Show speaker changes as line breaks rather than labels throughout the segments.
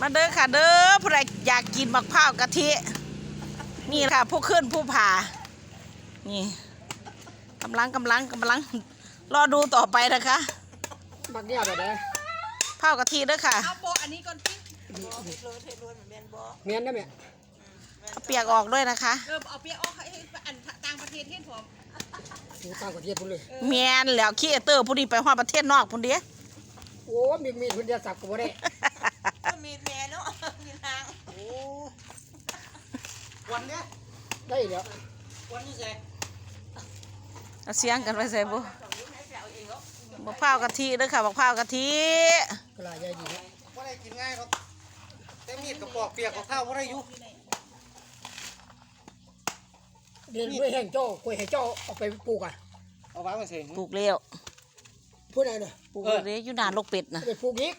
มาเด้อค่ะเด้อผู้ใดอยากกินมะพร้าวกะทินี่ค่ะผู้ขึ้นผู้ผ่านี่กำลังรอดูต่อไปนะคะ
มักเนี่ยแบบไหน
ข้าวกะทิเด้อค่ะ
เอาโปอันนี้ก่อนพี่
เมียนได้ไหม
เอาเปียกออกด้วยนะคะ
เอาเปียกออกให้อันต่างประเทศเห็นผม
ต่างประเทศพุ่นเลย
เมียนแล้วขี้เตอร์ผู้นี้ไปฮอดประเทศนอกพุ่นเด้
โอ้มีพุ่นเดียวสับกับบ่ได้
มีแม่เนาะมีทาง
โอ้วันเนี้ยได้แล้ววันนี้ใส่
เสียงกันไปใส่บุมะพร้าวกะทิเด้อค่ะมะพร้าวกะทิ
กระไรใหญ่ดีนะว่าได้กินง่ายครับแต่มีดกับปอกเปียกกับข้าวว่าได้อยู่เรียนด้วยแห้งโจ้กล้วยแห้งโจ้เอาไปปลูกอ่ะเอาไว้มาเสง
ปลูกเลี้ยว
พูดอะไรเนี่ย
ปลูกเลยอยู่นานลูกเป็ดนะ
ไปปลูกอีก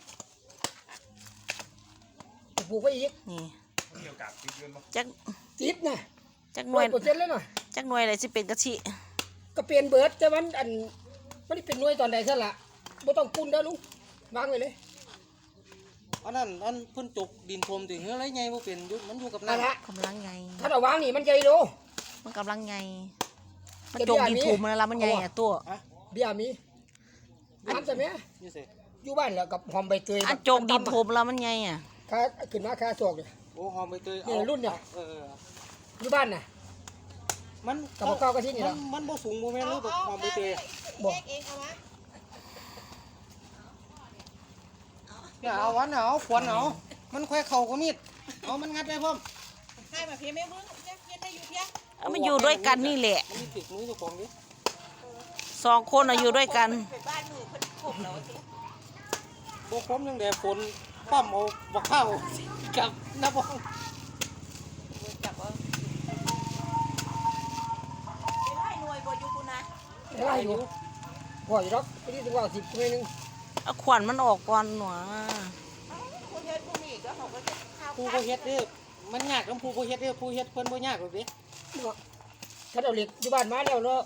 ปลูกไปอีก
นี่จัก
จิบนะ
จักหน่วย
%เลยหน่อย
จักหน่วยอะไรสิเป็นกะทิ
ก็เปลี่ยนเบิร์ดแต่มันไม่ได้เป็นหน่วยตอนใดซะละไม่ต้องปุ้นได้ลุงวางไว้เลย
อันนั้นเพิ่นจกดินพรมถึงอะไรไงบ่เป็นมันอยู่กับน้
ำกำลังไง
ถ้าเราวางนี่มันใหญ่ดู
มันกำลังไงมันจงดินถูมันแล้วมันไงอ่ะตัว
เบียร์มีน้ำจะไหมอยู่บ้านแล้วกับหอมใบเตย
อันจงดินถูแล้วมันไงอ่ะ
ค่าขึ้นมาค่าสวกเลย
โอ้หอมใบเตย
นี่รุ่นเนี่ยอยู่บ้านน่ะ
มัน
กับข้าวกะทินี่แล้ว
มันบ่สูงบ่แม่นหรือหอมใบเตย
บ่เองเอาวะ
อย่าเอาวันเอาขวนเอามันค่อยเข้ากับมีดเอามันงัดได้พร้อม
ให้มาเพียแม่เบิ่งเพียได้อยู่เพีย
มันอยู่ด้วยกันนี่แหละ
มันติดมือเจ้าของดิ
2 คนอยู่ด้วยกัน
บ้านมือเพิ่นคมแล้วสิ
บ่คมยังแต่ฝนปั้มเอาบักข้าวกับน้ำบ่
จับเอาไล่หน่วยบ่อยู่คุณนะ
ไล่อยู่พออยู่หรอกไปที่ถึงว่า10หน่วยนึง
เอาขวัญมันออกก่อนหนู
ผู้เฮ็ดผู้นี้ก็เขาก็จะข้าว
ผู้บ่เฮ็ดเด้อมันยากกับผู้บ่เฮ็ดเด้อผู้เฮ็ดเพิ่นบ่ยากหรอกเด้
ถ้าเราเล็กอยู่บ้านมาแล้วเนาะ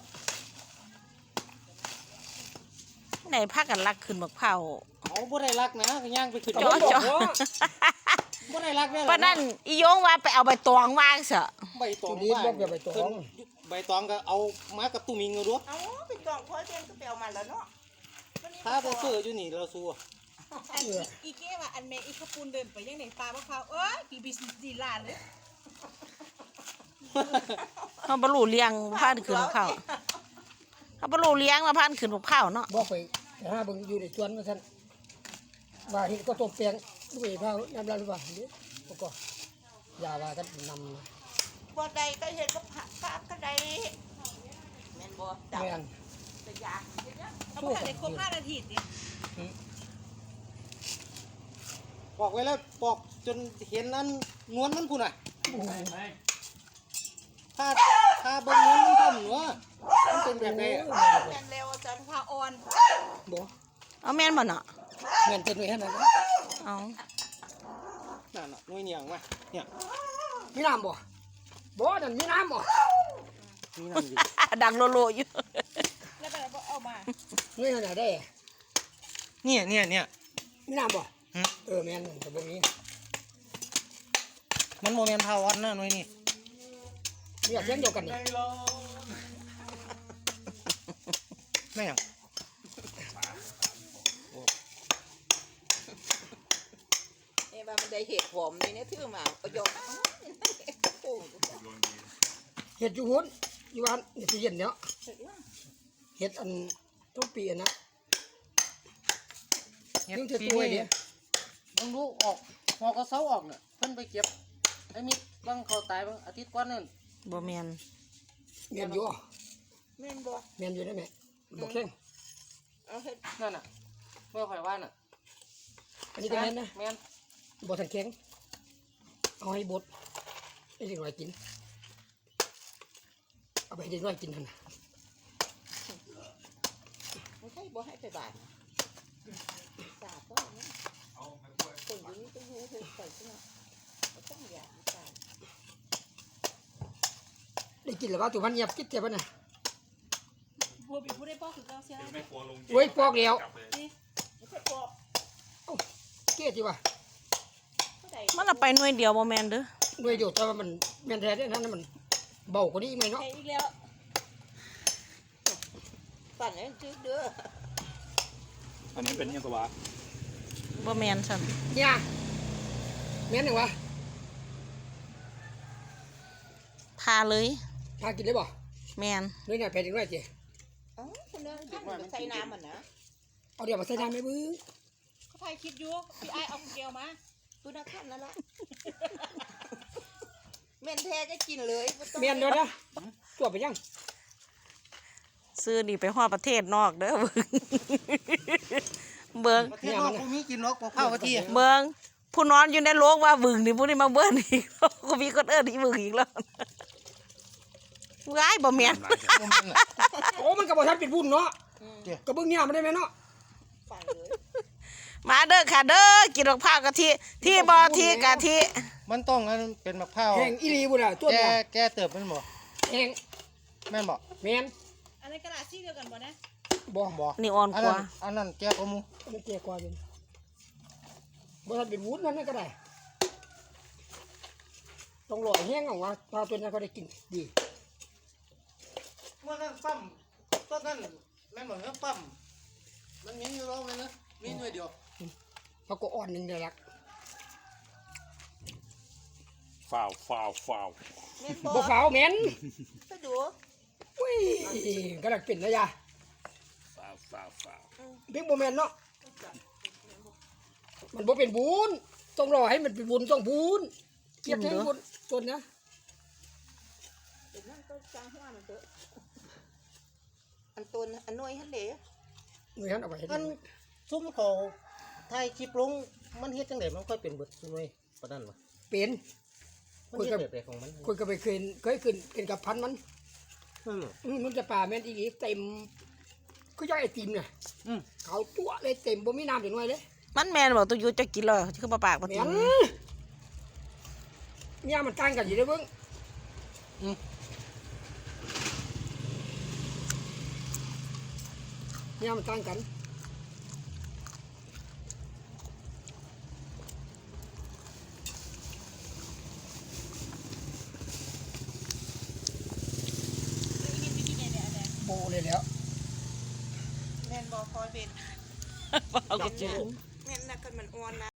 ไหนพักกันรักขึ้นมะพร้าว
เอาบ่ได้รักนะก็ย่างไปขึ้น
จ่อ
บ่ได้รักได้
ปะนั่นอีโยงว่าไปเอาใบตองวางซะ
ใบตอง
ว่าใบตอง
ใบตองก็เอามากับตุ้มิงเอาดู
เอาไปตองพอเส้นก็ไปเอามาแล้วเนาะ
ถ้าบ่ซื้ออยู่นี่เราสู้
อีเก้ว่าอันแม่อีขปูนเดินไปยังไหนปลามะพร้าวเอ้ยกี่บิสดีลาเลย
เขาบรรลุเลี้ยงผ่านขึ้นมะพร้าวเขาบรรลุเลี้ยงมาผ่านขึ้นมะพร้าวเนาะ
บอกไปแต่ถ้าเบิ่งอยู่ในสวนมาซั่นว่าเห็นก็ตบแปลงด้วยพร้าวน้ำลายว่าเด้อก็อย่าว่ากันนำ
บ่ได้ก็เห็นก็ผักก็ได้แม่นบ่
แม่น
จะยากเขาบอกได้ครบ5 นาทีนี่
ปอกไว้แล้วปอกจนเห็นอันนวลมันพุ่นน่ะถ้าเบิ่งนวลมันทำเนาะมันเป็นแบบไหน
แม่นแล้วจันพาอ่อน
บ่
เอาแม่นบ่เนาะ
แม่นเป็นไว้หั่นน่ะ
เอา
นั่นน่ะหน่วยเหนียงมาเนี่ย
มีน้ำบ่นั่นมีน้ำบ่
มีน้ำอยู่
ดังโลอยู่
แล้วก็เอามา
หน่วยน่ะได้
เนี่ย
มีน้ำบ่แม่นแต่บ่มี
มันโมเมนต์พาวัดนะหน่วยนี่
เรียกเสียงเดียวกันนี่
แม่ง
ว่ามันได้เห็ดหอมนี่เนี่ยถือมาประโยชน์
เห็ดอยู่หุ่นอยู่บ้านเห็ดเย็นเนาะเห็ดอันทุกปีนะ
เห็ดปีนี้ต้องรู้ออกหอกระเซาออกเนี่ยเพิ่นไปเก็บไอ้มิดบางเขาตายบางอาทิตย์ก่อนนั่น
บ่แม่น
อยู่
แม่นบ่
แม่นอยู่ได้ไหมบ่แข็ง
เอาเห็ด
นั่นน่ะเมื่อข่อยว่าน่ะ
อันนี้ก็แม่นนะ
แม่น
บ่ทันแข็งเอาให้บดให้เด็กน้อยกินเอาไปให้เด็กน้อยกินนั่นน่ะ
ไม่ใช่บ่ให้ไปบาดสาบก็คนอยู่นี่ก็อยู่เฉยๆใช่ไหมต้องอยากสาบ
ได้กินแล้วว่าตัวมันเงียบกิ๊ดเจ็บป่ะน่ะ
บัวบีผู้ได้ปอกคือเจ้าเสีย
โอ้ยปอกแล้ว
นี่ไม่ใช่ปอก
เกลียดจีวะ
เท่าไหร่
มันละไปหน่วยเดียวบ่แม่นเด้อ
ด้วยเดียวแต่ว่ามันแม่นแท้เนี่ยนั่นมันเบากว่านี้ไหมเนาะ
ใส่อีกแล้วปั่นให้จืดเด้อ
อันนี้เป็นยังตัววะ
บ่แม่นซั่น
เนี่ยแม่นหนึ่งวะ
พาเลย
พากินได้บ่
แม่น
ด้วยเนี่ยแผ่นอีกด้วยเจ๊
อ๋อคนเดินขั้นใส่น้ำมันนะ
เอาเดี๋ยวมาใส่น้ำไหมบึ้ง
เขาถ่ายคลิปอยู่พี่ไอ้เอาเกลียวมาตัวนักขั้นนั่นละเมนแท้ก็กินเลย
แม่นเดี๋ยวนะตัวไปยัง
ซื้อนี่ไปฮอดประเทศนอกเด้อ เบิ่ง
ประเทศนอกกูมีกินนกบ่ข้าวกะทิ
เบิ่งผู้นอนอยู่ในโลกว่าบึงนี่ผู้นี้มาเบิ่งอีก กูมีคนเอิ้นอีบึงอีกแล้วว้ายบ่แม่น
บ่แม่นน่ะ
โอ้มันกับบ่ทันเป็นบุญเนาะกระเบื้องเนี่ยมันได้ไหมเนาะ
ปั่นเลย
มาเด้อค่ะเด้อกินมะพร้าวกะทิที่บ่ที่กะทิ
มันต้องอันเป็นมะพร้าว
แห้งอีหลีบุญอ่ะตัว
แก
เนี่ย
แกเติบมันบ่
แห้ง
แม่นบ่
แม่น
อันนี้กระดาษซี่เดียวกันบ่นะ
บ่
บ่
นี่อ่อน
อัน
ก
นั้
ว่า
นอันนั้นแกกว่าหมู
มันเกี่ยกว่าเป็นบ่ทันเป็นวุ้นนั่นก็ได้ต้องรอแห้งเอาว่าปลาตัวนั้นก็ได้กินดี
เมื่อนั้นปั๊มต้นนั้นแม่นบ่เนื้อปั๊มมันมีอยู่แล้วแม่นนะมีหน่วยเดียว
เขาก็อ่อนหนึงเดียวละ
ฝ่าวฝ่าวฝ่าว
เมน
บ่ขาวแม่น
ไปดู
อุ้ยกำลังเป็นนะยา
ฝ่าวฝ่าวฝ่าว
เพียงบ่แม่นเนาะมันบ่เป็นบุญต้องรอให้มันเป็นบุญต้องบุญเก็บให้บุญต้นนะ
เดี๋ยวนั่นก็จ้างหัวมันเถอะอันต้นอันน้อยฮันเด๋
หน่วยหันเอาไว้ให้
มัน
ดู
ซุ่มเขาถ่ายคลิปลงมันเฮ็ดจังไดมันค่อยเป็นเบิดหน่วยปานนั้นวะ
เป็น
มันเฮ็ดแบบใดของมัน
คนก็ไปเคยขึ้นกับพันมัน
อืม
มันจะป่าแม่นอีกเต็มก็ย่อยไอติมเนี่ย
อืม
เขาตัวเลยเต็มบ่มีน้ำถึงหน่อยเลย
มันแม่นบ่ตุอยู่จะกินเลยคือปลาปากบ่
แม่
ติ
นเนี่ยมันต่างกันอยู่เด้อเบิ่งเนี่ยมันต่างกัน โบเลยแล้ว
แมนบอคอยเป็น
เอากระจุ
แมนนักกันมันอ่อนนะ